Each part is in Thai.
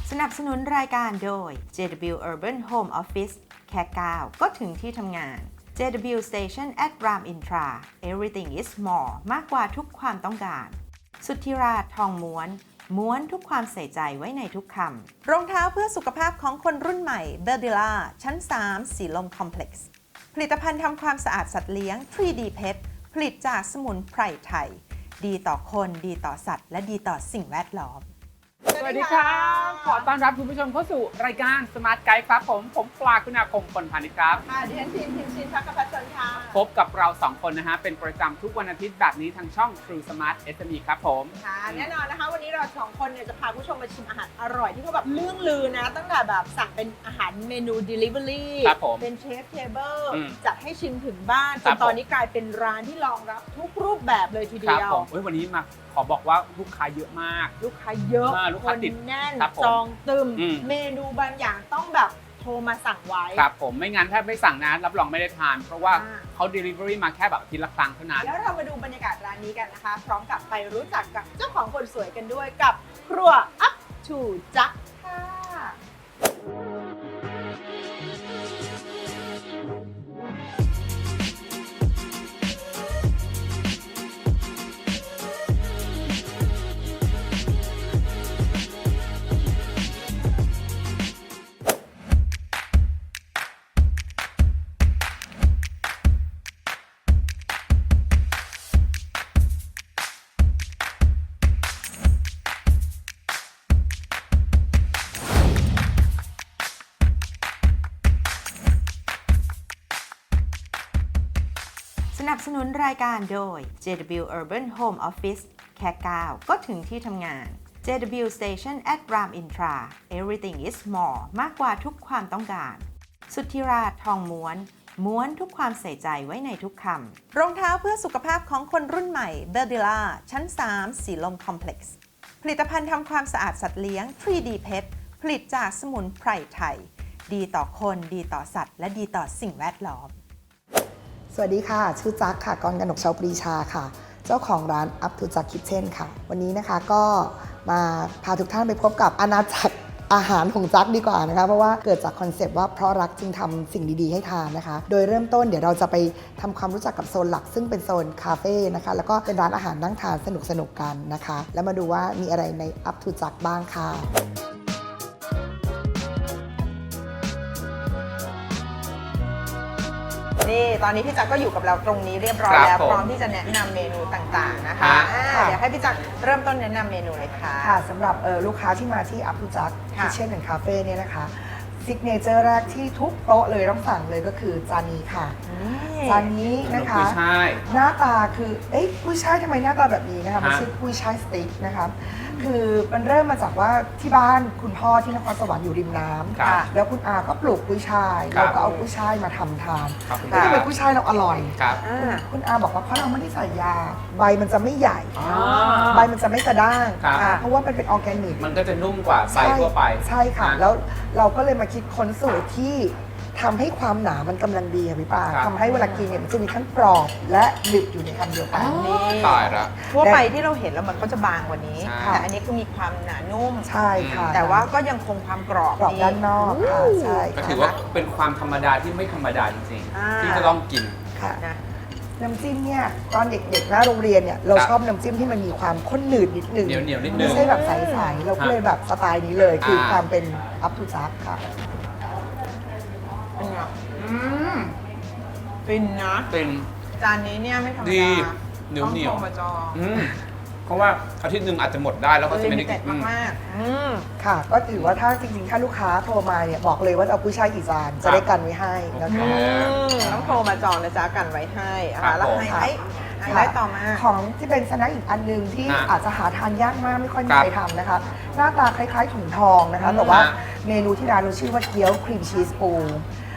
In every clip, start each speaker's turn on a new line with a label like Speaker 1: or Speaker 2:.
Speaker 1: สนับสนุนรายการโดย JW Urban Home Office แค่ก้าวก็ถึงที่ทำงาน JW Station at Ram Intra Everything is more มากกว่าทุกความต้องการสุทธิราชทองม้วนทุกความใส่ใจไว้ในทุกคำรองเท้าเพื่อสุขภาพของคนรุ่นใหม่ Verdilla ชั้น 3 สีลมคอมเพล็กซ์ผลิตภัณฑ์ทำความสะอาดสัตว์เลี้ยง 3D Pet ผลิตจากสมุนไพรไทยดีต่อคนดีต่อสัตว์และดีต่อสิ่งแวดล้อม
Speaker 2: สวัสดีครับขอต้อนรับคุณผู้ชมเข้าสู่รายการ Smart Guide ครับผมปลาคุณาคมคนพาณิชย์ครับ
Speaker 3: ค่ะดิฉันทีมชินพักกับพัชรค่ะ
Speaker 2: พบกับเรา2คนนะฮะเป็นประจำทุกวันอาทิตย์แบบนี้ทางช่อง True Smart SME ครับผม
Speaker 3: ค่ะแน่นอนนะคะวันนี้เรา2คนเนี่ยจะพาผู้ชมมาชิมอาหารอร่อยที่เขาแบบเรื่องลือนะตั้งแต่แบบสั่งเป็นอาหารเมนู Delivery เป็นเชฟเทเบิลจัดให้ชิมถึงบ้านจนตอนนี้กลายเป็นร้านที่รองรับทุกรูปแบบเลยทีเดียว
Speaker 2: วันนี้มาขอบอกว่าลูกค้าเยอะมาก
Speaker 3: ลูกค้าเยอะคนแน่นจองตึมเมนูบางอย่างต้องแบบโทรมาสั่งไว้
Speaker 2: ครับผมไม่งั้นถ้าไม่สั่งนะรับรองไม่ได้ทานเพราะว่าเขา Delivery มาแค่แบบอาทิตย์ละครั้งเท่านั้น
Speaker 3: แล้วเรามาดูบรรยากาศร้านนี้กันนะคะพร้อมกับไปรู้จักกับเจ้าของคนสวยกันด้วยกับครัว Up to Jack ค่ะ
Speaker 1: สนับสนุนรายการโดย JW Urban Home Office แค่ก้าวก็ถึงที่ทำงาน JW Station at Ram Intra Everything is more มากกว่าทุกความต้องการสุทธิราชทองม้วนทุกความใส่ใจไว้ในทุกคำรองเท้าเพื่อสุขภาพของคนรุ่นใหม่ Verdilla ชั้น 3 สีลมคอมเพล็กซ์ผลิตภัณฑ์ทำความสะอาดสัตว์เลี้ยง 3D Pet ผลิตจากสมุนไพรไทยดีต่อคนดีต่อสัตว์และดีต่อสิ่งแวดล้อม
Speaker 4: สวัสดีค่ะชื่อจักค่ะกรกนกเชาปรีชาค่ะเจ้าของร้าน Up to Jack Kitchen ค่ะวันนี้นะคะก็มาพาทุกท่านไปพบกับอาณาจักรอาหารของจักดีกว่านะคะเพราะว่าเกิดจากคอนเซปต์ว่าเพราะรักจึงทำสิ่งดีๆให้ทานนะคะโดยเริ่มต้นเดี๋ยวเราจะไปทำความรู้จักกับโซนหลักซึ่งเป็นโซนคาเฟ่นะคะแล้วก็เป็นร้านอาหารนั่งทานสนุกๆกันนะคะแล้วมาดูว่ามีอะไรใน Up to Jack บ้างค่ะ
Speaker 3: นี่ตอนนี้พี่จักก็อยู่กับเราตรงนี้เรียบร้อยแล้วพร้อมที่จะแนะนำเมนูต่างๆนะคะเดี๋ยวให้พี่จักเริ่มต้นแนะนำเมนูเลยค่ะ
Speaker 4: ค่ะสำหรับลูกค้าที่มาที่ Up to Jack Kitchen and Cafe เนี่ยนะคะซิกเนเจอร์แรกที่ทุกโต๊ะเลยต้องสั่งเลยก็คือจานนี้ค่ะจานนี้นะคะหน้าตาคือกุ้ยช่ายทำไมหน้าตาแบบนี้นะคะมันชื่อกุ้ยช่ายสติ๊กนะคะคือมันเริ่มมาจากว่าที่บ้านคุณพ่อที่นครสวรรค์อยู่ริมน้ำแล้วคุณอาก็ปลูกกุ้ยช่ายเราก็เอากุ้ยช่ายมาทำทานแล้วทำไมกุ้ยช่ายเราอร่อยคุณอาบอกว่าเพราะเราไม่ได้ใส่ยาใบมันจะไม่ใหญ่ใบมันจะไม่กระด้างเพราะว่ามันเป็นออร์แกนิก
Speaker 2: มันก็จะนุ่มกว่าใบทั่วไป
Speaker 4: ใช่ค่ะแล้วเราก็เลยมาคิดค้นสูตรที่ทำให้ความหนามันกำลังดีค่ะพี่ป้าทำให้เวลากินเนี่ยมันจะมีทั้งกรอบและหนึบอยู่ในคำเดียวกัน
Speaker 3: นี่
Speaker 2: ตายละ
Speaker 3: ทั่วไปที่เราเห็นแล้วมันก็จะบางกว่านี้แต่อันนี้คือมีความหนานุ่ม
Speaker 4: ใช่ค่ะ
Speaker 3: แต่ว่าก็ยังคงความกรอบ
Speaker 4: ด้านนอกค่ะใช่
Speaker 2: ก็ถือว่าเป็นความธรรมดาที่ไม่ธรรมดาจริงๆที่จะต้องกิน
Speaker 4: ค่ะน้ำจิ้มเนี่ยตอนเด็กๆหน้าโรงเรียนเนี่ยเราชอบน้ำจิ้มที่มันมีความข้นหนืดนิดนึง
Speaker 2: เหนียวนิดนึง
Speaker 4: ไม่ใช่แบบใสๆเราก็เลยแบบสไตล์นี้เลยคือความเป็น Up to Jack ค่ะ
Speaker 3: ฟินนะ
Speaker 2: เป็น
Speaker 3: จานนี้เนี่ยไม่ธรรมดา
Speaker 2: ดีเหนียว
Speaker 3: มาจอง
Speaker 2: เพราะว่าอาทิตย์หนึ่งอาจจะหมดได้แล้วก็จะไม่ได้กิน
Speaker 3: มาก
Speaker 4: ค่ะก็ถือว่าถ้าจริงๆถ้าลูกค้าโทรมาเนี่ยบอกเลยว่าเอากุ้ยช่ายกี่จานจะได้กันไว้ให้นะคะ
Speaker 3: ต้องโทรมาจองนะจ๊ะกันไว้ให้แล้วไฮไลท์ต่อมา
Speaker 4: ของที่เป็นสแน็คอีกอันนึงที่อาจจะหาทานยากมากไม่ค่อยมีใครทำนะคะหน้าตาคล้ายๆถุงทองนะคะแต่ว่าเมนูที่ร้านเราชื่อว่าเกี๊ยวครีมชีสปู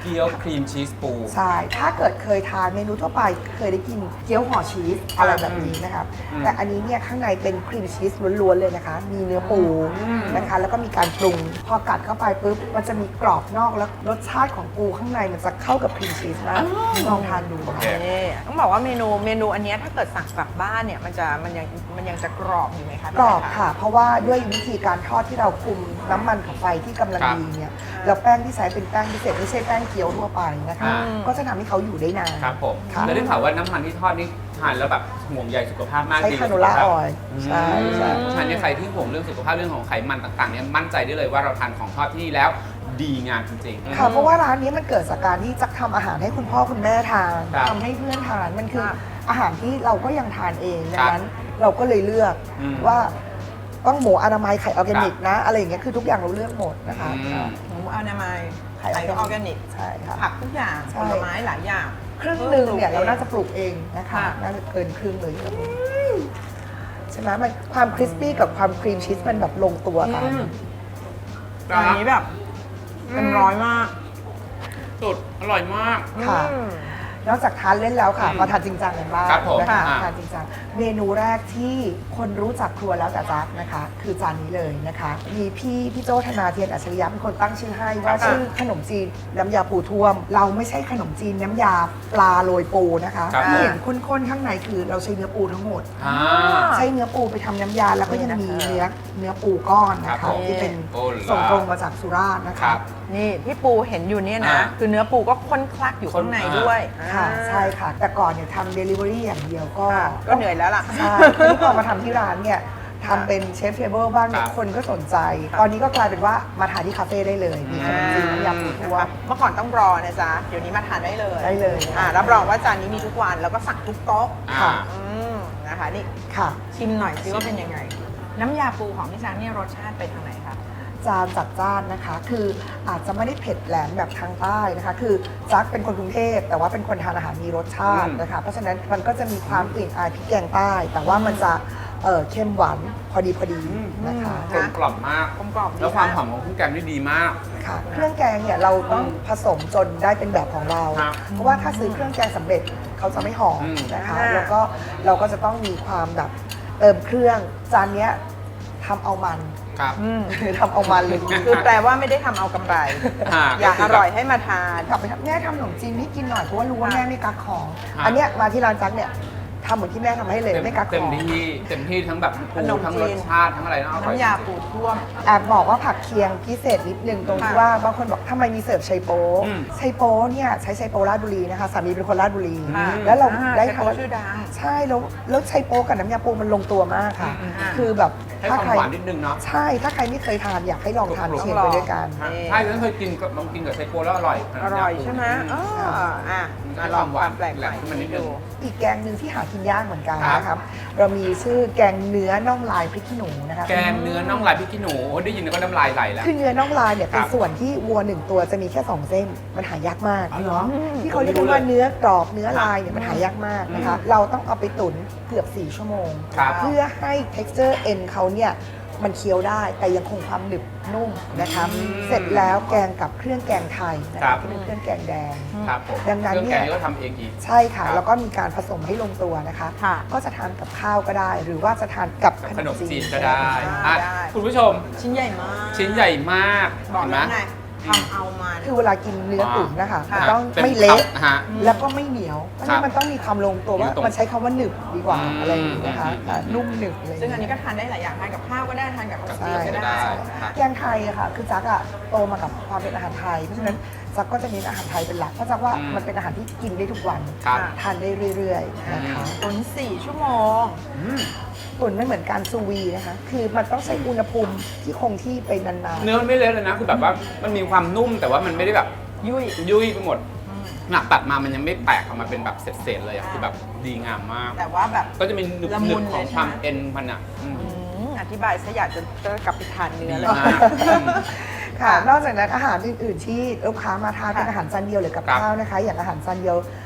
Speaker 2: เกี๊ยวครีมชีสปู
Speaker 4: ใช่ ถ้าเกิดเคยทานเมนูทั่วไปเคยได้กินเกี๊ยวห่อชีสอะไรแบบนี้นะครับ แต่อันนี้เนี่ยข้างในเป็นครีมชีสล้วนๆเลยนะคะ มีเนื้อปูนะคะ แล้วก็มีการปรุง พอกัดเข้าไปปุ๊บ มันจะมีกรอบนอกแล้วรสชาติของปูข้างในมันจะเข้ากับครีมชีสมากลองทานดู
Speaker 2: โอเค
Speaker 1: นี่ต้องบอกว่าเมนูอันเนี้ยถ้าเกิดสั่งกลับบ้านเนี่ยมันยังจะกรอบอยู่ไหมคะ
Speaker 4: กรอบค่ะ เพราะว่าด้วยวิธีการทอดที่เราคุมน้ำมันของไฟที่กำลังดีเนี่ยแล้วแป้งที่ใช้เป็นแป้งพิเศษไม่ใช่แป้งเกี๊ยวทั่วไปนะคะก็จะทำให้เขาอยู่ได้นาน
Speaker 2: ครับผม
Speaker 4: ค่ะ
Speaker 2: แล้วได้ข่าวว่าน้ำมันที่ทอดนี่ทานแล้วแบบห่วงใยสุขภาพมาก
Speaker 4: ใช้
Speaker 2: ดี
Speaker 4: คาโนล่าออยล์ใช่ใช่
Speaker 2: ฉะนั้นใครที่ห่วงเรื่องสุขภาพเรื่องของไขมันต่างๆเนี่ยมั่นใจได้เลยว่าเราทานของทอดที่นี่แล้วดีงามจริงๆ
Speaker 4: ค่ะเพราะว่าร้านนี้มันเกิดจากการที่จะทำอาหารให้คุณพ่อคุณแม่ทาน
Speaker 2: ครับ
Speaker 4: ทำให้เพื่อนทานมันคือ
Speaker 1: ครับ
Speaker 4: อาหารที่เราก็ยังทานเองดั
Speaker 2: ครั
Speaker 4: ง
Speaker 2: บ
Speaker 4: นั้นเราก็เลยเลือก
Speaker 2: อืม
Speaker 4: ว่าต้องหมูอนามัยไข่ออร์แกนิกนะอะไรอย่างเงี้ยคือทุกอย่างเราเลือกหมดนะคะ
Speaker 2: อืม
Speaker 1: หมูอนามัย
Speaker 4: ไข่
Speaker 1: ไข่ออร์แกนิก
Speaker 4: ใช่ค่ะ
Speaker 1: ผักทุกอย่าง
Speaker 4: ใช่
Speaker 1: ผลไม้หลายอย่าง
Speaker 4: ครึ่งหนึ่งเนี่ยเราน่าจะปลูกเองนะคะ
Speaker 1: ค่ะ
Speaker 4: น่าจะเกินครึ่งเลยใช่ไหมมันความคริสปี้กับความครีมชีสมันแบบลงตัวค่ะ
Speaker 1: อันนี้แบบเป็นร้อยมาก
Speaker 2: สุดอร่อยมาก
Speaker 4: ค่ะ
Speaker 1: อืม
Speaker 4: นอกจากทานเล่นแล้วค่ะ
Speaker 2: อืม
Speaker 4: มาทานจริงจังกันบ้าง
Speaker 2: ครับผม
Speaker 4: นะคะ
Speaker 2: อ่า
Speaker 4: ทานจริงจังเมนูแรกที่คนรู้จักครัวแล้วแต่จักนะคะ คือจานนี้เลยนะคะ มีพี่โจธนาเทียนอัจฉริยะเป็นคนตั้งชื่อให้ว่าชื่อขนมจีนน้ำยาปูท่วม เราไม่ใช่ขนมจีนน้ำยาปลาโรยปูนะคะ
Speaker 2: ครับ
Speaker 4: ที่เห็นข้นๆข้างในคือเราใช้เนื้อปูทั้งหมด
Speaker 2: อ่า
Speaker 4: ใช้เนื้อปูไปทำน้ำยาแล้วก็ยังมีเนื้อปูก้อนนะ
Speaker 2: ครั
Speaker 4: คะ
Speaker 2: บผม
Speaker 4: ที่เป็น
Speaker 2: โอ้ล่ะ
Speaker 4: ส่งตรงมาจากสุราษฎร์นะ
Speaker 2: ครั
Speaker 4: คะ
Speaker 2: บ
Speaker 1: นี่ที่ปูเห็นอยู่เนี่ยนะ
Speaker 2: อ่า
Speaker 1: คือเนื้อปูก็ข้นคลักอยู่ข้างในด้วย
Speaker 4: ค่ะ
Speaker 1: อ่า
Speaker 4: ใช่ค่ะ แต่ก่อนเนี่ยทำเดลิเวอรี่อย่างเดียวก็
Speaker 1: ก็เหนื่อยแล้วล่ะ
Speaker 4: ใช่ทีนี้พอมาทำที่ร้านเนี่ยทำเป็นเชฟเทเบิลบ้างเนี่ย
Speaker 2: ครับ
Speaker 4: คนก็สนใจ ตอนนี้ก็กลายเป็นว่ามาทานที่คาเฟ่ได้เลย มีขนมจีนน้ำยาปูทั่ว
Speaker 1: เมื่อก่อนต้องรอนะจ๊ะ เดี๋ยวนี้มาทานได้เลย
Speaker 4: ได้เลย
Speaker 1: รับรองว่าจานนี้มีทุกวันแล้วก็สั่งทุกโต๊ะ
Speaker 2: อ่า
Speaker 1: อืมนะคะนี่
Speaker 4: ค่ะ
Speaker 1: ชิมหน่อยสิว่าเป็นยังไง น้ำยาปูของพี่ช้างเนี่ยรสชาติเป็นทางไหนคะ
Speaker 4: จานจัดจ้านนะคะ คืออาจจะไม่ได้เผ็ดแหลมแบบทางใต้นะคะ คือจักเป็นคนกรุงเทพแต่ว่าเป็นคนทานอาหารมีรสชาตินะคะ เพราะฉะนั้นมันก็จะมีความกลิ่นอายพริกแกงใต้ แต่ว่ามันจะเข้มหวานพอดีนะคะ
Speaker 2: กลมกล่อมมาก
Speaker 1: กลมกล่อมดี
Speaker 2: แล้วความ
Speaker 1: ค่ะ
Speaker 2: หอมของเครื่องแกงนี่ดีมาก
Speaker 4: ค่ะเครื่องแกงเนี่ยเราต้องผสมจนได้เป็นแบบของเรา
Speaker 2: ครับ
Speaker 4: เพราะว่าถ้าซื้อเครื่องแกงสำเร็จเขาจะไม่หอม
Speaker 2: อืม
Speaker 4: นะคะ
Speaker 1: อ่า
Speaker 4: แล้วก็เราก็จะต้องมีความแบบเติมเครื่องจานเนี้ยทำเอามัน
Speaker 2: ครับ
Speaker 1: อืม
Speaker 4: ทำเอามันเลย
Speaker 1: คือแปลว่าไม่ได้ทำเอากำไร อยากอร่อยให้มาทาน
Speaker 4: กลับไปทำแม่ทำขนมจีนให้กินหน่อยเพราะว่ารู้ว่า
Speaker 1: ค่ะ
Speaker 4: แม่ไม่กักของ
Speaker 2: ค่ะ
Speaker 4: อันเนี้ยมาที่ร้านจักเนี่ยทำเหมือนที่แม่ทำให้เลยไม่กักข
Speaker 2: เต็ม
Speaker 4: อง
Speaker 2: ที่เต็มที่ทั้งแบบ
Speaker 1: ข
Speaker 2: ปู
Speaker 1: นม
Speaker 2: ทั้ง
Speaker 1: จี
Speaker 2: ร
Speaker 1: น
Speaker 2: สชาติทั้งอะไรนะอร่อย
Speaker 1: น้ำยาปูท่วม
Speaker 4: แอบบอกว่าผักเคียงพิเศษนิดนึงตรงที่
Speaker 1: ค่ะ
Speaker 4: ว่าบางคนบอกทำไมมีเสิร์ฟไชโป๊
Speaker 2: อืม
Speaker 4: ไชโป๊เนี่ยใช้ไชโป๊ราชบุรีนะคะสามีเป็นคนราชบุรี
Speaker 1: ค่ะ
Speaker 4: แล้วเรา
Speaker 1: อ่า
Speaker 4: ได้
Speaker 1: ไชโป๊ชื่อดัง
Speaker 4: ใช่แล้วไชโป๊กับน้ำยาปูมันลงตัวมากค่ะ
Speaker 1: อืม
Speaker 4: คือแบบ
Speaker 2: ให้
Speaker 4: ถ้า
Speaker 2: ความ
Speaker 4: ใคร
Speaker 2: หวานนิดนึงเนาะ
Speaker 4: ใช่ถ้าใครไม่เคยทานอยากให้ลองทาน
Speaker 2: ต้องลอง
Speaker 4: เคียงไปด้วยกัน
Speaker 1: นี่
Speaker 2: ใช่ฉันเคยกินกับลองกินกับไชโปแล้วอร่อย
Speaker 1: อร่อยใช่ไหมอ๋ออ่ะ
Speaker 2: ได้
Speaker 1: มาลอง
Speaker 2: ความหวาน
Speaker 1: ความแปลกใหม่
Speaker 2: ขึ้นมานิดนึง
Speaker 1: ดู
Speaker 4: อีกแกงหนึ่งที่หากินยากเหมือนกัน
Speaker 2: ครับ
Speaker 4: นะครับ เรามีชื่อแกงเนื้อน่องลายพริกขี้หนูนะคะ
Speaker 2: แกงเนื้อน่องลายพริกขี้หนูโอ้ได้ยินแล้วก็น้ำลายไหลแล้ว
Speaker 4: คือเนื้อน่องลายเนี่ย
Speaker 2: ครั
Speaker 4: เป็
Speaker 2: บ
Speaker 4: นส่วนที่วัวหนึ่งตัวจะมีแค่ 2 เส้น มันหายากมาก
Speaker 2: อ๋อเหรอ
Speaker 4: ที่เขาเรียกกันว่าเนื้อกรอบเนื้อลายเนี่ยมันหายากมากนะคะ เราต้องเอาไปตุ๋นเกือบ 4 ชั่วโมง
Speaker 2: ครับ
Speaker 4: เพื่อให้ texture เอ็นเขาเนี่ยมันเคี้ยวได้แต่ยังคงความหนึบนุ่มนะคะ
Speaker 2: อืม
Speaker 4: เสร็จแล้วแกงกับเครื่องแกงไทยนะ
Speaker 2: ครั
Speaker 4: คะ
Speaker 2: บ
Speaker 4: ที่เป็นเครื่องแกงแดง
Speaker 2: ครับผม
Speaker 4: ดังนั้น
Speaker 2: เครื่อง
Speaker 4: เนี่
Speaker 2: แก
Speaker 4: ย
Speaker 2: งนี่ก็ทำเองอีก
Speaker 4: ใช่ค่ะ
Speaker 2: ครับ
Speaker 4: แล้วก็มีการผสมให้ลงตัวนะคะ
Speaker 1: ค่ะ
Speaker 4: ก็จะทานกับข้าวก็ได้ หรือว่าจะทานกับ
Speaker 2: กับ
Speaker 4: ข
Speaker 2: ข
Speaker 4: น
Speaker 2: น
Speaker 4: ม
Speaker 2: ม
Speaker 4: จี
Speaker 2: จี
Speaker 4: น
Speaker 2: นก็ได้
Speaker 1: ได้
Speaker 2: อ่ะ
Speaker 1: ได้
Speaker 2: คุณผู้ชม
Speaker 1: ชิ้นใหญ่มาก
Speaker 2: ชิ้นใหญ่มาก
Speaker 1: บอก
Speaker 2: เห็นไหม
Speaker 1: แล้วไงทำเอามัน
Speaker 4: คือเวลากินเนื้อตุ๋นนะคะ
Speaker 1: ค่ะ
Speaker 4: มันต้อง
Speaker 2: ต็
Speaker 4: ไม่เละ
Speaker 2: คำฮะ
Speaker 4: แล้วก็ไม่เหนียวเพราะฉะ
Speaker 2: ครั
Speaker 4: นั้
Speaker 2: บ
Speaker 4: นมันต้องมีความลงตัวว่า
Speaker 2: อยู่ตรง
Speaker 4: มันใช้คำว่าหนึบดีกว่า
Speaker 2: อืม
Speaker 4: อะไรอย่างนี้นะคะ
Speaker 2: อืม
Speaker 4: นุ่มหนึบอะไร
Speaker 1: ซึ่งอันนี้ก็ทานได้หลายอย่างทานกับข้าวก็ได้ทานกับขนมจีนก็
Speaker 2: ก็
Speaker 1: ได้
Speaker 2: ได้
Speaker 1: นะคะ
Speaker 4: แกงไทยอะค่ะ คือจักอะโตมากับความเป็นอาหารไทย เพราะฉะนั้นจักก็จะเน้นอาหารไทยเป็นหลักเพราะจักว่ามันเป็นอาหารที่กินได้ทุกวัน
Speaker 2: ครับ
Speaker 4: ทานได้เรื่อยๆนะคะ
Speaker 1: ตุ๋น4 ชั่วโมง
Speaker 2: อืม
Speaker 4: ตุ๋นไม่เหมือนการซูวีนะคะ คือมันต้องใช้อุณหภูมิที่คงที่ไปนานๆ
Speaker 2: เนื้อมันไม่เละเลยนะคือแบบว่ามันมีความนุ่มแต่ว่ามันไม่ได้แบบ
Speaker 1: ยุ่ย
Speaker 2: ยุ่ยไปหมดหนักตัดมามันยังไม่แตกออกมาเป็นแบบเศษๆเลยอะคือแบบดีงามมาก
Speaker 1: แต่ว่าแบบ
Speaker 2: ก็จะมีหนึบ
Speaker 1: ละมุน
Speaker 2: ๆของ
Speaker 1: เลยใช่ไหม
Speaker 2: ความเอ็นมันอ่ะอืม
Speaker 1: อธิบายซะอยากจะกลับไปทานเนื้อ
Speaker 2: ดี
Speaker 1: เลย
Speaker 2: มากอืม
Speaker 4: ค่ะ นอกจากนั้นอาหารอื่นๆที่ลูกค้ามาทานเป็นอาหารจานเดียวหรือกับ
Speaker 2: ครับ
Speaker 4: ข้าวนะคะ อย่างอาหารจานเดียว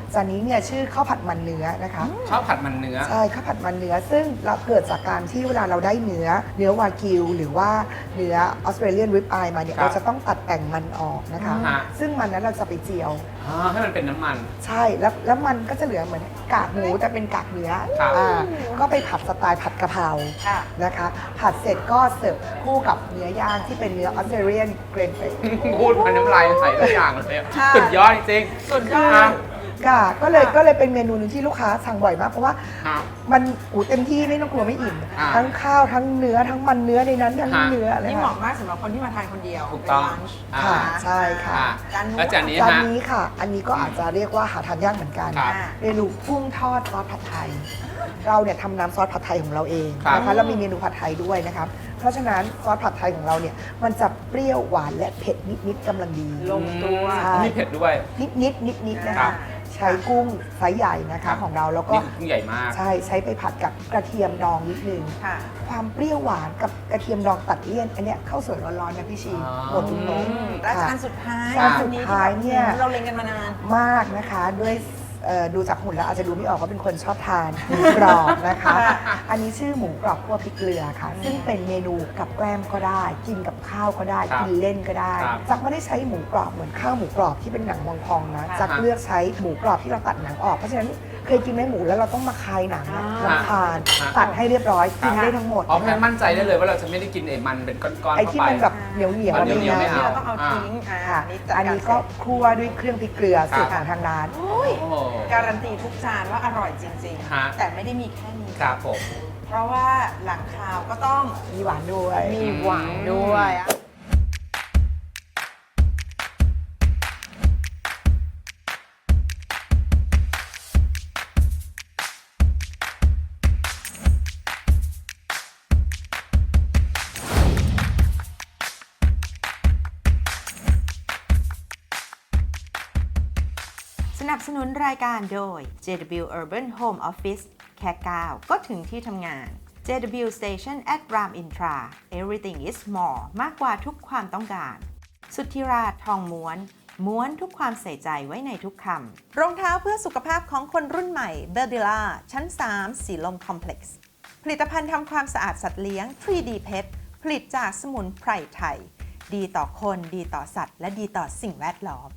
Speaker 4: จานนี้เนี่ยชื่อข้าวผัดมันเนื้อนะคะ
Speaker 2: ข้าวผัดมันเนื้อ
Speaker 4: ใช่ข้าวผัดมันเนื้อซึ่งเราเกิดจากการที่เวลาเราได้เนื้อวากิวหรือว่าเนื้อออสเตรเลียนริบอายมาเนี่ย
Speaker 2: ครับ
Speaker 4: เราจะต้องตัดแต่งมันออกนะคะ
Speaker 2: ฮะ
Speaker 4: ซึ่งมันนั้นเราจะไปเจียว
Speaker 2: ให้มันเป็นน้ำมัน
Speaker 4: ใช่แล้วมันก็จะเหลือเหมือนกากหมูแต่เป็นกากเนื้อ
Speaker 2: ครับ
Speaker 4: ก็ไปผัดสไตล์ผัดกะเพรา
Speaker 3: ค่ะ
Speaker 4: นะคะ ผัดเสร็จก็เสิร์ฟคู่กับเนื้อย่างที่เป็นเนื้อออสเตรเลียนเกรนเฟด
Speaker 2: พูดมันน้ำลายใส่ทุกอย่างเลยสุดยอดจริงๆ
Speaker 3: สุดยอด
Speaker 2: อ่ะ
Speaker 4: ค่ะก็เลยเป็นเมนูหนึงที่ลูกค้าสั่งบ่อยมากเพราะว่า
Speaker 2: ครับ
Speaker 4: มันเต็มที่ไม่ต้องกลัวไม่อิ่ม
Speaker 2: อ่า
Speaker 4: ทั้งข้าวทั้งเนื้อทั้งมันเนื้อในนั้นทั้ง
Speaker 2: ฮะ
Speaker 4: เนื้ออะไร
Speaker 3: นี่เห
Speaker 4: ค่ะ
Speaker 3: มาะมากสำหรับคนที่มาทานคนเดียว
Speaker 2: ถูกต้อง
Speaker 3: เป็น lunch
Speaker 2: อ่า
Speaker 4: ค่ะใช่ค่ะ
Speaker 2: อ่ะ
Speaker 3: จานนู้น
Speaker 2: แล้วจานนี้
Speaker 4: จาน
Speaker 2: ฮะ
Speaker 4: นี้ค่ะ อันนี้ก็อาจจะเรียกว่าหาทานยากเหมือนกัน
Speaker 2: ครับ
Speaker 4: เมนูกุ้งทอดซอสผัดไทย เราเนี่ยทำน้ำซอสผัดไทยของเราเอง
Speaker 2: ครับ
Speaker 4: นะคะเรามีเมนูผัดไทยด้วยนะครับเพราะฉะนั้นซอสผัดไทยของเราเนี่ยมันจะเปรี้ยวหวานและเผ็ดนิดๆกำลังดี
Speaker 3: ลงตัว
Speaker 4: ใช่
Speaker 2: มีเผ็ดด้วย
Speaker 4: นิดๆนะ
Speaker 2: ครั
Speaker 4: คะ
Speaker 2: บ
Speaker 4: ใช้กุ้งไซส์ใหญ่นะคะของเราแล้วก็
Speaker 2: นี่คือกุ้งใหญ่มาก
Speaker 4: ใช่ใช้ไปผัดกับกระเทียมดองนิดนึง
Speaker 3: ค่ะ
Speaker 4: ความเปรี้ยวหวานกับกระเทียมดองตัดเลี่ยนอันเนี้ยข้าวสวยร้อนๆนะพี่ชี
Speaker 2: อ๋อ
Speaker 4: หมดทุกโต๊ะ
Speaker 3: และ
Speaker 4: ค่ะ
Speaker 3: จานสุดท้าย
Speaker 4: จานสุดท้ายเนี่ย
Speaker 3: เราเล็งกันมานาน
Speaker 4: มากนะคะด้วยดูจากหุ่นแล้วอาจจะดูไม่ออกว่าเป็นคนชอบทานหมูกรอบนะคะ อันนี้ชื่อหมูกรอบคั่วพริกเกลือค่ะ ซึ่งเป็นเมนูกับแกล้มก็ได้ กินกับข้าวก็ได้
Speaker 2: ครับ
Speaker 4: กินเล่นก็ได้
Speaker 2: ครับ
Speaker 4: จักไม่ได้ใช้หมูกรอบเหมือนข้าวหมูกรอบที่เป็นหนังพองๆนะ
Speaker 3: ค่ะ
Speaker 4: จักเลือกใช้หมูกรอบที่เราตัดหนังออกเพราะฉะนั้นเคยกินไหมหมูแล้วเราต้องมาคายหนังอะ
Speaker 3: อ่า
Speaker 4: รำคาญ
Speaker 2: อ่า
Speaker 4: ตัดให้เรียบร้อยกินได้ทั้งหมด
Speaker 2: อ๋อแค่มั่นใจได้เลยว่าเราจะไม่ได้กินไอ้มันเป็นก้อนๆ
Speaker 4: ไอ้
Speaker 2: เข้า
Speaker 4: ที่
Speaker 2: ไป
Speaker 4: มันแบบเหนียวเหนียว
Speaker 2: มันเหนียวๆไม่เอา
Speaker 3: ที่เราต้องเอาทิ้ง
Speaker 4: ค่ะ
Speaker 3: จัด
Speaker 4: อัน
Speaker 3: การ
Speaker 4: นี้ก็
Speaker 3: เสร็จ
Speaker 4: คั่วด้วยเครื่องพริกเกลือสูตรของทางร้าน
Speaker 3: โอ้ย
Speaker 2: โอ้โห
Speaker 3: การันตีทุกจานว่าอร่อยจริง
Speaker 2: ฮะ
Speaker 3: ๆ แต่ไม่ได้มีแค่นี้
Speaker 2: ครับผม
Speaker 3: เพราะว่าหลังคาวก็ต้อง
Speaker 4: มีหวานด้วย
Speaker 3: มีหวานด้วยอะ
Speaker 1: สนับสนุนรายการโดย JW Urban Home Office แค่ก้าวก็ถึงที่ทำงาน JW Station at Ram Intra Everything is more มากกว่าทุกความต้องการ สุทธิราชทองม้วนทุกความใส่ใจไว้ในทุกคำ รองเท้าเพื่อสุขภาพของคนรุ่นใหม่ b e r d i l a ชั้น 3 สีลมคอมเพล็กซ์ ผลิตภัณฑ์ทำความสะอาดสัตว์เลี้ยง 3D Pet ผลิตจากสมุนไพรไทย ดีต่อคนดีต่อสัตว์ และดีต่อสิ่งแวดล้อม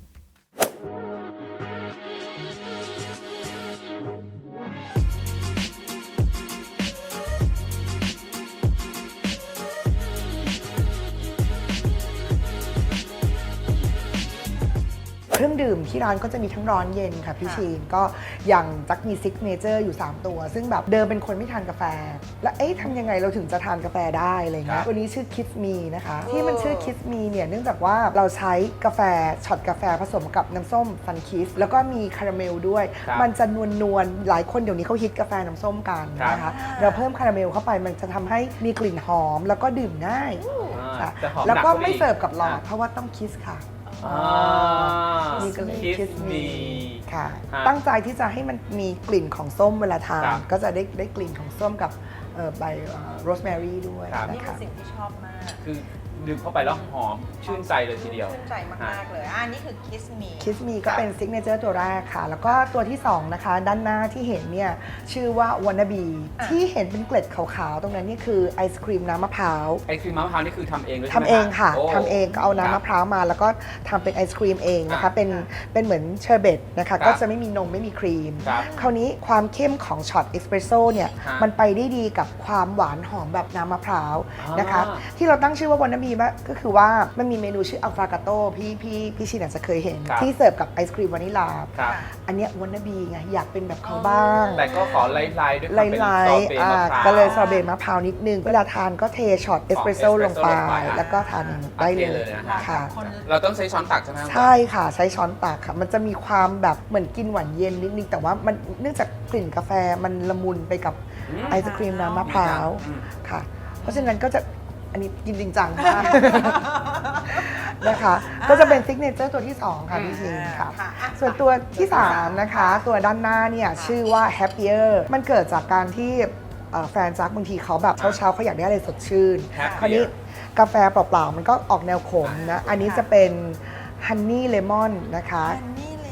Speaker 4: เครื่องดื่มที่ร้านก็จะมีทั้งร้อนเย็นค่ะพี่ชีนก็อย่างจักมีซิกเนเจอร์อยู่ 3 ตัว ซึ่งแบบเดิมเป็นคนไม่ทานกาแฟ แล้วทำยังไงเราถึงจะทานกาแฟได้อะไรเงี้
Speaker 2: ครั
Speaker 4: ย
Speaker 2: บ
Speaker 4: ตัวนี้ชื่อ Kiss Me นะคะ ที่มันชื่อ Kiss Me เนี่ยเนื่องจากว่าเราใช้กาแฟช็อตกาแฟผสมกับน้ำส้มซันคิสแล้วก็มีคาราเมลด้วย
Speaker 2: ครับ
Speaker 4: มันจะนวลๆหลายคนเดี๋ยวนี้เขาฮิตกาแฟน้ำส้มกันนะคะเราเพิ่มคาราเมลเข้าไปมันจะทำให้มีกลิ่นหอมแล้วก็ดื่มง่าย ค่ะ
Speaker 2: แต่หอม
Speaker 4: แล้วก็
Speaker 2: หนั
Speaker 4: ไม่เสิร์ฟกับหลอด
Speaker 2: ะ
Speaker 4: เพราะว่าต้องคิสค่ะ
Speaker 2: อ่า
Speaker 4: นี่ก็เลย
Speaker 2: Kiss Me
Speaker 4: ค่ะ
Speaker 2: ฮะ
Speaker 4: ตั้งใจที่จะให้มันมีกลิ่นของส้มเวลาทา
Speaker 2: ครั
Speaker 4: น
Speaker 2: บ
Speaker 4: ก็จะได้กลิ่นของส้มกับใบโรสแมรี่ด้วย
Speaker 2: ครับ
Speaker 3: นี่
Speaker 4: นะ
Speaker 3: เป็น
Speaker 4: คะ
Speaker 3: สิ่งที่ชอบมาก
Speaker 2: คือดื่มเข้าไปแล้วหอมชื่นใจเลยทีเดียว
Speaker 3: ชื่นใจมากๆเลยนี่คือ Kiss Me
Speaker 4: คิสมีก็เป็นซิกเนเจอร์ตัวแรกค่ะ แล้วก็ตัวที่ 2 นะคะ ด้านหน้าที่เห็นเนี่ยชื่อว่าวานาบี
Speaker 3: อ่ะ
Speaker 4: ที่เห็นเป็นเกล็ดขาวๆ ตรงนั้นนี่คือไอศครีมน้ำมะพร้าว
Speaker 2: ไอศครีมมะพร้าวนี่คือทำเองด้วย
Speaker 4: ทำ
Speaker 2: ใช่ไหม
Speaker 4: เองค่ะ
Speaker 2: โ
Speaker 4: ทำเองก็เอาน้ำมะพร้าวมา แล้วก็ทำเป็นไอศครีมเองนะคะ เป็นเหมือนเชอร์เบตนะคะ ก็จะไม่มีนมไม่มีครีม
Speaker 2: ครับ
Speaker 4: คราวนี้ความเข้มของช็อตเอสเปรสโซ่เนี่ย
Speaker 2: ฮะ
Speaker 4: มันไปได้ดีกับความหวานหอมแบบน้ำมะพร้าวนะคะ
Speaker 2: อ่า
Speaker 4: ที่เราตั้งชื่อว่าวานาบีก็คือว่ามันมีเมนูชื่ออัลฟากาโต้พี่ชินอาจจะเคยเห็น
Speaker 2: ครับ
Speaker 4: ที่เสิร์ฟกับไอศครีมวานิลา
Speaker 2: ครับ
Speaker 4: อันเนี้ยวานาบีไงอยากเป็นแบบเขาบ้าง
Speaker 2: แต่ก็ขอไล่ๆด้วยความเป็น
Speaker 4: ไล่
Speaker 2: ซอเบต์มะพร้าว
Speaker 4: ก็เลยซอเบต์มะพร้าวนิดนึง เวลาทานก็เทช็อตเอสเปรสโซ่ลงไป แล้วก็ทานได้เล
Speaker 2: โอเคเลย ยนะฮะ
Speaker 4: ค่ะ
Speaker 2: เราต้องใช้ช้อนตักใช่ไหมครับ
Speaker 4: ใช่ค่ะใช้ช้อนตักค่ะ มันจะมีความแบบเหมือนกินหวานเย็นนิดนึงแต่ว่ามันเนื่องจากกลิ่นกาแฟมันละมุนไปกับ
Speaker 2: อืม
Speaker 4: ไอศครีมน้ำมะพร้าว
Speaker 2: อืม
Speaker 4: ค่ะ เพราะฉะนั้นก็จะอันนี้กินจริงจังมาก นะคะ ก็จะเป็นซิกเนเจอร์ตัวที่ 2 ค่ะพี่ชิงค่ะ
Speaker 3: ค่ะอ่ะ
Speaker 4: ส่วนตัวที่ 3 นะคะ ตัวด้านหน้าเนี่ยชื่อว่า Happier มันเกิดจากการที่แฟนจักบางทีเขาแบบเช้าๆเขาอยากได้อะไรสดชื่น
Speaker 2: Happier
Speaker 4: คราวนี้กาแฟเปล่าๆมันก็ออกแนวขมนะ อันนี้จะเป็นฮันนี่เลมอนนะคะ
Speaker 3: อันนี้เลยมาก
Speaker 4: ใ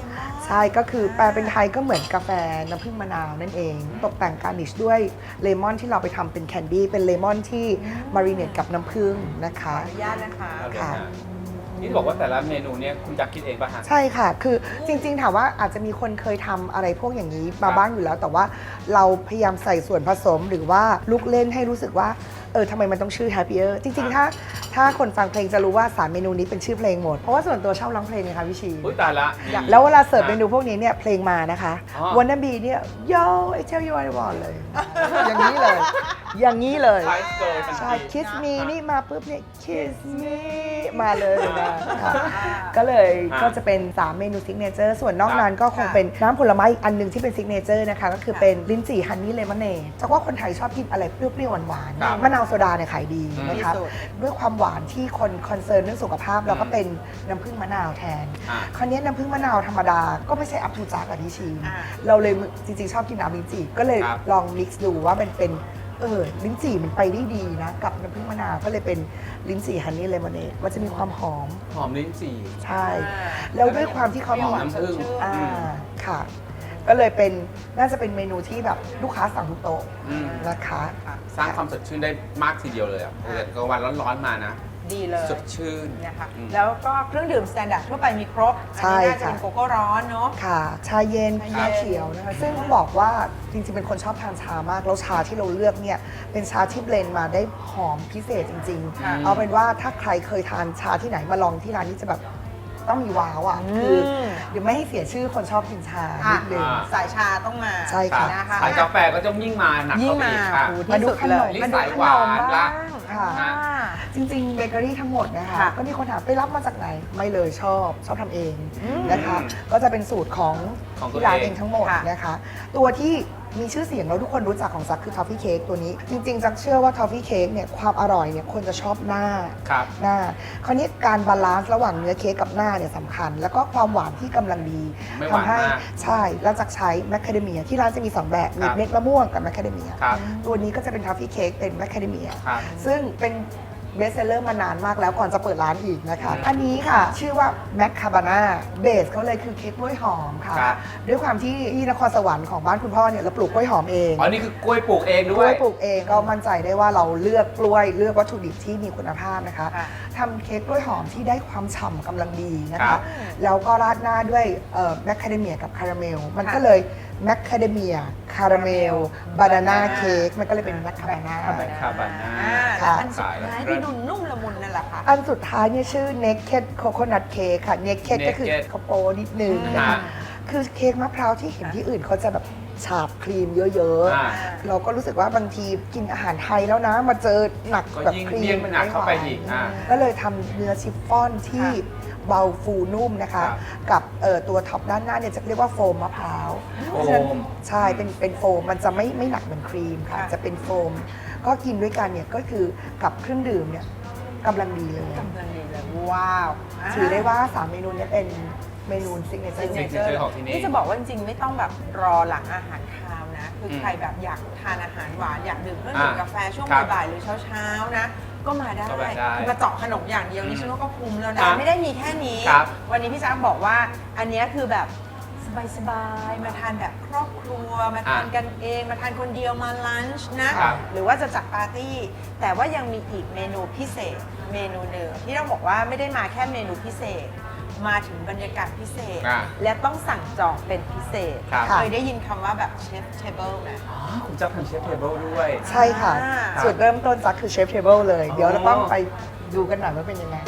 Speaker 4: ใช่ก็คือแปลเป็นไทยก็เหมือนกาแฟน้ำผึ้งมะนาวนั่นเอง ตกแต่งการนิชด้วยเลมอนที่เราไปทำเป็นแคนดี้เป็นเลมอนที่มารีเนตกับน้ำผึ้งนะคะ
Speaker 3: ขออนุญาตนะคะ
Speaker 4: ค่ะ
Speaker 2: นี่บอกว่าแต่ละเมนูเนี่ยคุณจักคิดเองป่ะฮะ
Speaker 4: ใช่ค่ะ คือจริงๆถามว่าอาจจะมีคนเคยทำอะไรพวกอย่างนี้มาบ้างอยู่แล้ว แต่ว่าเราพยายามใส่ส่วนผสมหรือว่าลูกเล่นให้รู้สึกว่าทำไมมันต้องชื่อ Happier จริงๆ ถ้าคนฟังเพลงจะรู้ว่า3เมนูนี้เป็นชื่อเพลงหมด เพราะว่าส่วนตัวชอบร้องเพลงไงคะพี่ชี
Speaker 2: อุ้ยตายละ
Speaker 4: แล้วเวลาเสิร์ฟเมนูพวกนี้เนี่ยเพลงมานะคะ
Speaker 2: อ๋อ
Speaker 4: Wanna be เนี่ย Yo I tell you what I want เลย อย่างนี้เลย อย่างนี้เลย
Speaker 2: ไลฟ์เกิร์ลทัน
Speaker 4: ใช่
Speaker 2: ที
Speaker 4: Kiss me นี่มาปุ๊บเนี่ย Kiss me มาเลยนะค่ะก็เลยก็จะเป็น 3 เมนูซิกเนเจอร์ส่วนนอกนั้นก็คงเป็นน้ำผลไม้อีกอันหนึงที่เป็นซิกเนเจอร์นะคะ ก็คือเป็นลิ้นจี่ฮันนี่เลมอนเนดจากว่าคนไทยชอบกินอะไรเปรี้ยวๆหวาน
Speaker 2: ครับ
Speaker 4: ๆมะนาวโซดาเนี่ยขายดีนะคะ
Speaker 3: ที่สุด
Speaker 4: ด้วยความหวานที่คนคอนเซิร์นเรื่องสุขภาพเราก็เป็นน้ำผึ้งมะนาวแทน
Speaker 2: อ่า
Speaker 4: คราวนี้น้ำผึ้งมะนาวธรรมดาก็ไม่ใช่อัพทูจักอะที่ชิม
Speaker 3: อ่า
Speaker 4: เราเลยจริงๆ ชอบกินน้ำลิ้นจี่ก็เลย
Speaker 2: ครับ
Speaker 4: ลองมิกซ์ดูว่ามันเป็นลิ้นจี่มันไปได้ดีนะ กับน้ำผึ้งมะนาวก็เลยเป็นลิ้นจี่ฮันนี่เลมอนเนดมันจะมีความหอม
Speaker 2: หอมลิ้นจี่
Speaker 4: ใช่ แล้วด้วยความที่เขา
Speaker 2: หอมน้ำผึ้ง
Speaker 4: อ่าค่ะ ก็เลยเป็นน่าจะเป็นเมนูที่แบบลูกค้าสั่งทุกโต๊ะ
Speaker 2: อืม
Speaker 4: นะคะ
Speaker 2: สร้างความสดชื่นได้มากทีเดียวเลยอ่ะกลางวันร้อนๆมานะ
Speaker 3: ดีเลย
Speaker 2: สดชื่น
Speaker 3: นะคะ
Speaker 2: อืม
Speaker 3: แล้วก็เครื่องดื่มสแตนดาร์ดทั่วไปมีครบ
Speaker 4: ใช่
Speaker 3: อันนี้น่าจะ
Speaker 4: ค่ะ
Speaker 3: เป็นโกโก้ร้อนเนาะ
Speaker 4: ค่ะ ชาเย็น
Speaker 3: ชาเย็น
Speaker 4: ชาเขียวนะคะซึ่งต้องบอกว่าจริงๆ เป็นคนชอบทานชามาก แล้วชาที่เราเลือกเนี่ยเป็นชาที่เบลนด์มาได้หอมพิเศษจริง
Speaker 2: ค่ะ
Speaker 4: ๆ เอาเป็นว่าถ้าใครเคยทานชาที่ไหนมาลองที่ร้านนี้จะแบบต้องมีว้าวอ่ะคือเดี๋ยวไม่ให้เสียชื่อคนชอบกินชานิดนึง
Speaker 3: สายชาต้องมา
Speaker 4: ใช่ค่ะ
Speaker 3: นะคะ
Speaker 2: สายกาแฟก็จะยิ่งมาหนัก
Speaker 3: ยิ่ง
Speaker 2: เข้าไป
Speaker 3: มา
Speaker 2: อีกอ่ะ
Speaker 3: โอ้โหที่สุดเลย
Speaker 2: นี่สายหวานละ
Speaker 4: ค่ะ
Speaker 3: อ่า
Speaker 4: จริงๆเบเกอรี่ทั้งหมดนะคะ
Speaker 3: ค่ะ
Speaker 4: ก็มีคนถามไปรับมาจากไหนไม่เลยชอบทำเองนะคะ ก็จะเป็นสูตรของ
Speaker 2: ของตัว
Speaker 4: ที่ร้าน
Speaker 2: เอง
Speaker 4: เองทั้งหมด
Speaker 3: ค่ะ
Speaker 4: นะคะ ตัวที่มีชื่อเสียงแล้วทุกคนรู้จักของซักคือทอฟฟี่เค้กตัวนี้ จริงๆซักเชื่อว่าทอฟฟี่เค้กเนี่ยความอร่อยเนี่ยคนจะชอบหน้า
Speaker 2: ครับ
Speaker 4: หน้าคราวนี้การบาลานซ์ระหว่างเนื้อเค้กกับหน้าเนี่ยสำคัญ แล้วก็ความหวานที่กำลังดี
Speaker 2: ไม่หวาน
Speaker 4: ทำให้
Speaker 2: มาก
Speaker 4: ใช่แล้วจักใช้แมคคาเดเมียที่ร้านจะมี 2 แบบมี
Speaker 2: ครับ
Speaker 4: เม็ดมะม่วงกับแมคคาเดเมีย
Speaker 2: ครับ
Speaker 4: ตัวนี้ก็จะเป็นทอฟฟี่เค้กเป็นแมคคาเดเมีย
Speaker 2: ครับ
Speaker 4: ซึ่งเป็นเบสเซลเลอร์มานานมากแล้วก่อนจะเปิดร้านอีกนะคะ อันนี้ค่ะ ชื่อว่าแมคคาบาน่าเบสเขาเลยคือเค้กกล้วยหอมค่ะ
Speaker 2: ครับ
Speaker 4: ด้วยความที่นครสวรรค์ของบ้านคุณพ่อเนี่ยเราปลูกกล้วยหอมเอง
Speaker 2: อ๋อนี่คือกล้วยปลูกเอง
Speaker 4: ก
Speaker 2: ด้
Speaker 4: ล้ว
Speaker 2: วย
Speaker 4: ยปลูกเองก็มั่นใจได้ว่าเราเลือกกล้วยเลือกวัตถุดิบที่มีคุณภาพนะคะ
Speaker 3: ค่ะ
Speaker 4: ทำเค้กกล้วยหอมที่ได้ความฉ่ำกำลังดีนะ
Speaker 2: ครั
Speaker 4: คะ
Speaker 2: บ
Speaker 4: แล้วก็ราดหน้าด้วยแมคคาเดเมียกับคาราเมลมันก็เลย แมคคาเดเมียคาราเมลบานาน่าเค้กมันก็เลยเป็นแมคคาบาน่า
Speaker 2: แมคคาบาน่า
Speaker 3: แล้วอันสุด
Speaker 2: ขายแล้ว
Speaker 3: ท้ายที่ดูนุ่มละมุนนั่นแหละค่ะ
Speaker 4: อันสุดท้ายเนี่ยชื่อ Naked Coconut Cake ค่ะ Naked ก็คือ
Speaker 2: Naked
Speaker 4: เขาโปนิดนึงนะ
Speaker 2: อ่า
Speaker 4: คะคือเค้กมะพร้าวที่เห็นที่อื่นเขาจะแบบฉาบครีมเยอะ
Speaker 2: อ่า
Speaker 4: ๆ เราก็รู้สึกว่าบางทีกินอาหารไทยแล้วนะ มาเจอหนัก
Speaker 2: ก็
Speaker 4: แบบ
Speaker 2: ยิ่ง
Speaker 4: ครี
Speaker 2: เลี่ย
Speaker 4: ม
Speaker 2: งมันหนักเข้าไปอีก
Speaker 4: ม่หว
Speaker 2: อ่า
Speaker 4: ก็เลยทำเนื้อชิฟฟ่อนที่เบาฟูนุ่มนะคะ
Speaker 2: ครับ
Speaker 4: กับตัวท็อปด้านหน้าเนี่ยจะเรียกว่าโฟมมะพร้าว
Speaker 2: โฟม
Speaker 4: เพราะฉะนั้นใช่เป็นโฟมมันจะไม่หนักเหมือนครีมค่ะ
Speaker 3: ค่ะ
Speaker 4: จะเป็นโฟม ก็กินด้วยกันเนี่ยก็คือกับเครื่องดื่มเนี่ยกำลังดีเลย
Speaker 3: กำลังดีเลยว้าว
Speaker 4: ถือได้ว่า 3 เมนูเนี้เป็นเมนูซิกเนเจอร์
Speaker 2: Signature ของที่นี่
Speaker 3: นี่จะบอกว่าจริงๆ ไม่ต้องแบบรอหลังอาหารคาวนะ คือใครแบบอยากทานอาหารหวาน อยากดื่มเครื่องดื่มกาแฟช่วง
Speaker 2: ครับ
Speaker 3: บ่ายๆหรือเช้าๆนะ ก็มาได้
Speaker 2: ก็มาได้
Speaker 3: มาเจาะขนมอย่างเดียวนี่ฉันว่าก็คุ้มแล้ว
Speaker 2: ครั
Speaker 3: นะ
Speaker 2: บ
Speaker 3: ไม่ได้มีแค่นี้
Speaker 2: ครับ
Speaker 3: วันนี้พี่จ้าบอกว่าอันเนี้ยคือแบบสบายๆ มาทานแบบครอบครัว มาทานกันเอง มาทานคนเดียวมาลันช์นะ
Speaker 2: ครับ
Speaker 3: หรือว่าจะจัดปาร์ตี้ แต่ว่ายังมีอีกเมนูพิเศษเมนูหนึ่งที่ต้องบอกว่าไม่ได้มาแค่เมนูพิเศษ มาถึงบรรยากาศพิเศษ
Speaker 2: อ่า
Speaker 3: และต้องสั่งจองเป็นพิเศษ
Speaker 2: ครับ
Speaker 3: เคยได้ยินคำว่าแบบเชฟเทเบิลไหม
Speaker 2: อ๋อคุณจะทำเชฟเทเบิลด้วย
Speaker 4: ใช่ค่ะ
Speaker 3: อ่า
Speaker 4: จุดเริ่มต้นจักคือเชฟเทเบิลเลย
Speaker 2: อ๋อ
Speaker 4: เดี๋ยวเราต้องไปดูกันหน่อยว่าเป็นยังไง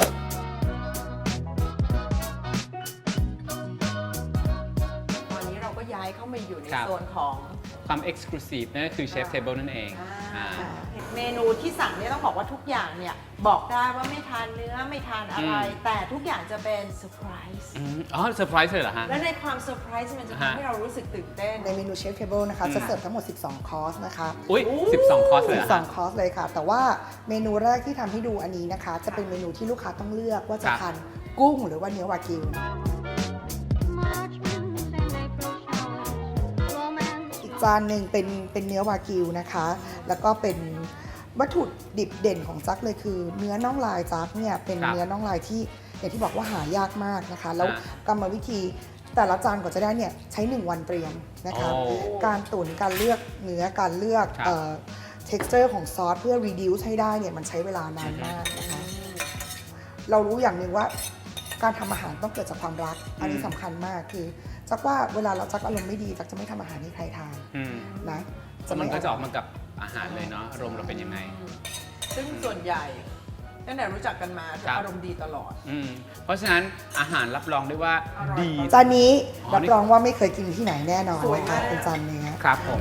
Speaker 3: ตอนนี้เราก็ย้ายเข้ามาอยู่ใน
Speaker 2: ครับ
Speaker 3: โซนของ
Speaker 2: ความเอ็กซ์คลูซีฟนั่นก็คือเชฟเทเบิลนั่นเองอ่า
Speaker 3: เมนูที่สั่งเนี่ยต้องบอกว่าทุกอย่างเนี่ยบอกได้ว่าไม่ทานเนื้อไม่ทานอะไร แต่ทุกอย่างจะเป็นเซอร์ไพรส์
Speaker 2: อ๋อเซอร์ไพรส์เลยเหรอฮะ
Speaker 3: และในความเซอร์ไพรส์มันจะทำให้เรารู้สึกตื่นเต้น
Speaker 4: ในเมนูเชฟเทเบิลนะคะ จะเสิร์ฟทั้งหมด 12 คอร์สนะคะ
Speaker 2: อุ้ย12 คอร์สเลยเหรอฮะ
Speaker 4: 12 คอร์สเลยค่ะ แต่ว่าเมนูแรกที่ทำให้ดูอันนี้นะคะ จะเป็นเมนูที่ลูกค้าต้องเลือกว่าจะ
Speaker 2: ครับ
Speaker 4: ทานกุ้งหรือว่าเนื้อวากิว
Speaker 5: March winds and April showers, romance.
Speaker 4: อีกจานหนึ่งเป็นเนื้อวากิวนะคะ แล้วก็เป็นวัตถุดิบเด่นของจักเลยคือ เนื้อน่องลายจักเนี่ยเป็น
Speaker 2: ครับ
Speaker 4: เนื้อน่องลายที่อย่างที่บอกว่าหายากมากนะคะ แล้ว
Speaker 2: อ่าก
Speaker 4: รรมวิธีแต่ละจานกว่าจะได้เนี่ยใช้ 1 วันเตรียมนะคะ
Speaker 2: โอ้
Speaker 4: การตุ๋นการเลือกเนื้อการเลือก
Speaker 2: ครับ
Speaker 4: texture ของซอสเพื่อ reduce ให้ได้เนี่ยมันใช้เวลานานมากนะคะ เรารู้อย่างหนึ่งว่าการทำอาหารต้องเกิดจากความรัก อันนี้สำคัญมากคือจักว่าเวลาเราจักอารมณ์ไม่ดีจักจะไม่ทำอาหารให้ใครทาน
Speaker 2: อืม
Speaker 4: นะ
Speaker 2: มันก็จะออกมากับอาหารเลยเนาะอารมณ์เราเป็นยังไง
Speaker 3: ซึ่งส่วนใหญ่ตั้งแต่รู้จักกันมาจะ
Speaker 2: ครับ
Speaker 3: อารมณ์ดีตลอด
Speaker 2: เพราะฉะนั้นอาหารรับรองได้ว่า
Speaker 3: อร่อย
Speaker 2: ดี
Speaker 4: จานนี้
Speaker 2: อ๋อ
Speaker 4: รับ
Speaker 2: นี่
Speaker 4: รองว่าไม่เคยกินที่ไหนแน่นอน
Speaker 3: สวย
Speaker 4: นะคะ
Speaker 3: มาก
Speaker 4: เป็นจานเนื้อ
Speaker 2: ครับผม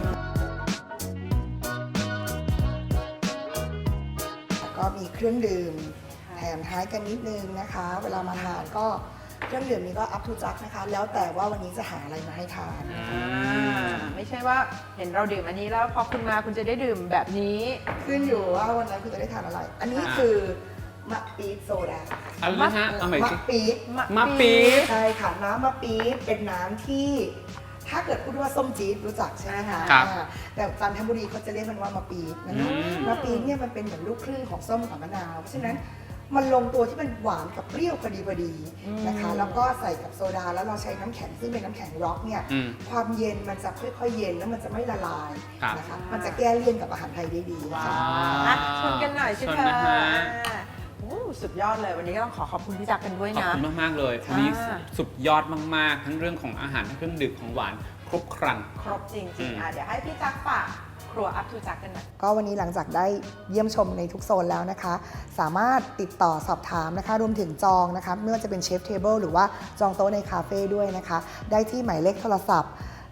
Speaker 4: ก็มีเครื่องดื่มแถมท้ายกันนิดนึงนะคะ เวลามาทานก็เครื่องดื่มนี้ก็ up to jack นะคะ แล้วแต่ว่าวันนี้จะหาอะไรมาให้ทาน
Speaker 3: ไม่ใช่ว่าเห็นเราดื่มอันนี้แล้วพอคุณมาคุณจะได้ดื่มแบบนี้
Speaker 4: ขึ้นอยู่ว่าวันนั้นคุณจะได้ทานอะไร อันนี้คือมะปี๊ดโซดา
Speaker 2: อะไรนะฮะเอาใหม่
Speaker 4: มะ
Speaker 2: สิ
Speaker 4: ปี๊ด
Speaker 2: มะปี๊ด
Speaker 4: ใช่ค่ะน้ำมะปี๊ดเป็นน้ำที่ ถ้าเกิดพูดว่าส้มจี๊ดรู้จักใช่ไหมคะ
Speaker 2: ครับ
Speaker 4: แต่จันทบุรีเขาจะเรียกมันว่ามะปี๊ดนะคะ
Speaker 2: อืม
Speaker 4: มะปี๊ดเนี่ยมันเป็นเหมือนลูกครึ่งของส้มกับมะนาวเพราะฉะนั้นมันลงตัวที่มันหวานกับเปรี้ยวพอดีนะคะ แล้วก็ใส่กับโซดาแล้วเราใช้น้ำแข็งซึ่งเป็นน้ำแข็งร็อกเนี่ย
Speaker 2: อืม
Speaker 4: ความเย็นมันจะค่อยๆเย็นแล้วมันจะไม่ละลาย
Speaker 2: ครับ
Speaker 4: นะคะมันจะแก้เลี่ยนกับอาหารไทยได้ดีค่ะ
Speaker 3: อ่ะชวนกันหน่อยสิ
Speaker 2: ชวน
Speaker 3: เธอ
Speaker 2: นะฮะ
Speaker 3: โอ้สุดยอดเลย วันนี้ก็ต้องขอบคุณพี่จักรกันด้วย
Speaker 2: ขอบ
Speaker 3: นะ
Speaker 2: คุณมากๆเลย
Speaker 3: ใช่
Speaker 2: วันนี้สุดยอดมากๆ ทั้งเรื่องของอาหารทั้งเครื่องดื่มของหวานครบครัน
Speaker 3: ครบจ
Speaker 2: อื
Speaker 3: ริง
Speaker 2: ม
Speaker 3: ๆเดี๋ยวให้พี่จักรฝากครัวอัพทูจักรกันหน่อย
Speaker 4: ก็วันนี้หลังจากได้เยี่ยมชมในทุกโซนแล้วนะคะ สามารถติดต่อสอบถามนะคะรวมถึงจองนะคะไม่ว่าจะเป็นเชฟเทเบิลหรือว่าจองโต๊ะในคาเฟ่ด้วยนะคะ ได้ที่หมายเลขโทรศัพท์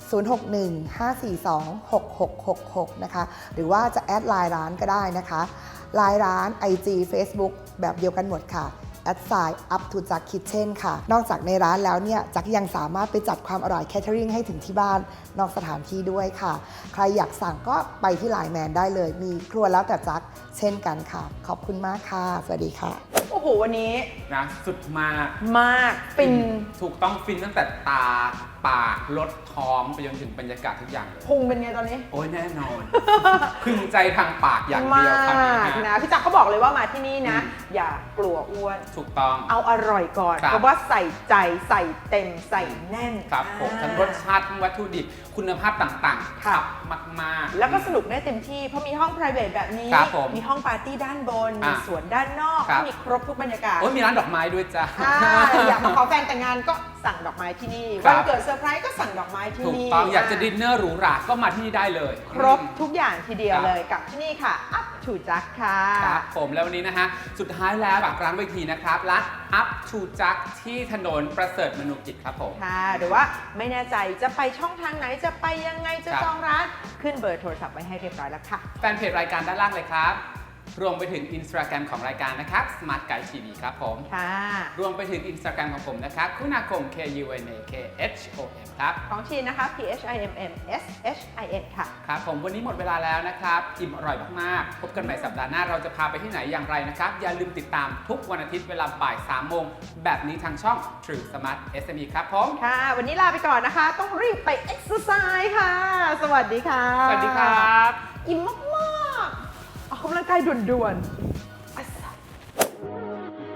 Speaker 4: 061-542-6666 นะคะ หรือว่าจะแอดไลน์ร้านก็ได้นะคะไลน์ร้าน IG Facebook แบบเดียวกันหมดค่ะup to jack kitchen ค่ะ นอกจากในร้านแล้วเนี่ยจักยังสามารถไปจัดความอร่อย catering ให้ถึงที่บ้านนอกสถานที่ด้วยค่ะ ใครอยากสั่งก็ไปที่ไลน์แมนได้เลย มีครัวแล้วแต่จักเช่นกันค่ะ ขอบคุณมากค่ะ สวัสดีค่ะ
Speaker 3: โอ้โห วันนี้
Speaker 2: นะสุดมาก
Speaker 3: มากฟิน
Speaker 2: ถูกต้องฟินตั้งแต่ตาปากลดท้องไปจนถึงบรรยากาศทุกอย่างเลย
Speaker 3: พุงเป็นไงตอนนี้
Speaker 2: โอ้ยแน่นอน พึงใจทางปากอย่างเดียวครับ
Speaker 3: มากนะพี่จักรเขาบอกเลยว่ามาที่นี่นะ อย่ากลัวอ้วน
Speaker 2: ถูกต้อง
Speaker 3: เอาอร่อยก่อน
Speaker 2: ครับ
Speaker 3: เพราะว่าใส่ใจใส่เต็มใส่แน่น
Speaker 2: ครับผมทั้งรสชาติทั้งวัตถุดิบคุณภาพต่างๆ
Speaker 3: ค่ะ
Speaker 2: ขับมากๆ
Speaker 3: แล้วก็สนุกได้เต็มที่ เพราะมีห้อง private แบบนี้
Speaker 2: ครับผม
Speaker 3: มีห้องปาร์ตี้ด้านบน
Speaker 2: อ่ะ
Speaker 3: มีสวนด้านนอก
Speaker 2: ครับ
Speaker 3: มีครบทุกบรรยากาศ
Speaker 2: โอ้ยมีร้านดอกไม้ด้วยจ้ะ
Speaker 3: อยากมาขอแฟนแต่งงานก็สั่งดอกไม้ที่นี่
Speaker 2: ครั
Speaker 3: วั
Speaker 2: บ
Speaker 3: นเกิดเซอร์ไพรส์ก็สั่งดอกไม้ที่
Speaker 2: ถูก
Speaker 3: นี่
Speaker 2: ต้องอยากจะดินเนอร์หรูหราก็มาที่นี่ได้เลย
Speaker 3: ครบทุกอย่างทีเดียว
Speaker 2: ครับ
Speaker 3: เลยกับที่นี่ค่ะ Up to Jack ค่ะ
Speaker 2: ครับผมแล้ววันนี้นะฮะ สุดท้ายแล้วฝากร้านไว้ทีนะครับร้าน Up to Jack ที่ถนนประเสริฐมนุกิจครับผม
Speaker 3: ค่ะหรือว่าไม่แน่ใจจะไปช่องทางไหนจะไปยังไงจะ
Speaker 2: ครับ
Speaker 3: จองร้านขึ้นเบอร์โทรศัพท์ไว้ให้เรียบร้อยแล้วค่ะ
Speaker 2: แฟนเพจรายการด้านล่างเลยครับ รวมไปถึง Instagram ของรายการนะครับ Smart Guide TV ครับผม
Speaker 3: ค่ะ
Speaker 2: รวมไปถึง Instagram ของผมนะครับคุณาคม KUNAKHOM ครับ
Speaker 3: ของชีนนะคะ PHIMMSHIN ค่ะ
Speaker 2: ครับผมวันนี้หมดเวลาแล้วนะครับอิ่มอร่อยมากๆ พบกันใหม่สัปดาห์หน้าเราจะพาไปที่ไหนอย่างไรนะครับ อย่าลืมติดตามทุกวันอาทิตย์เวลาบ่าย 3 โมง แบบนี้ทางช่อง True Smart SME ครับผม
Speaker 3: ค่ะ วันนี้ลาไปก่อนนะคะ ต้องรีบไปเอ็กซ์ไซส์ค่ะ สวัสดีค่ะ
Speaker 2: สวัสดีครับ
Speaker 3: อิ่มมากๆออกกำลังกายด่วนๆอัสสะ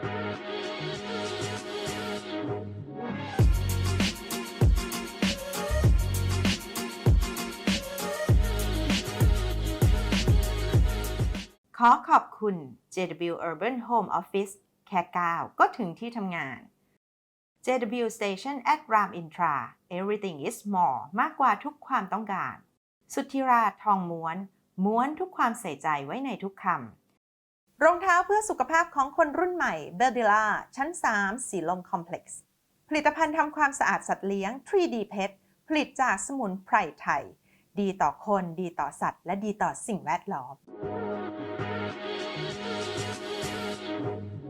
Speaker 1: ขอขอบคุณ JW Urban Home Office แค่9ก็ถึงที่ทำงาน JW Station at Ram Intra Everything is more มากกว่าทุกความต้องการ สุทธิราชทองม้วน ม้วนทุกความใส่ใจไว้ในทุกคำ รองเท้าเพื่อสุขภาพของคนรุ่นใหม่ b e r d i l a ชั้น 3 สีลมคอมเพล็กซ์ ผลิตภัณฑ์ทำความสะอาดสัตว์เลี้ยง 3D Pet ผลิตจากสมุนไพรไทย ดีต่อคน ดีต่อสัตว์ และดีต่อสิ่งแวดล้อม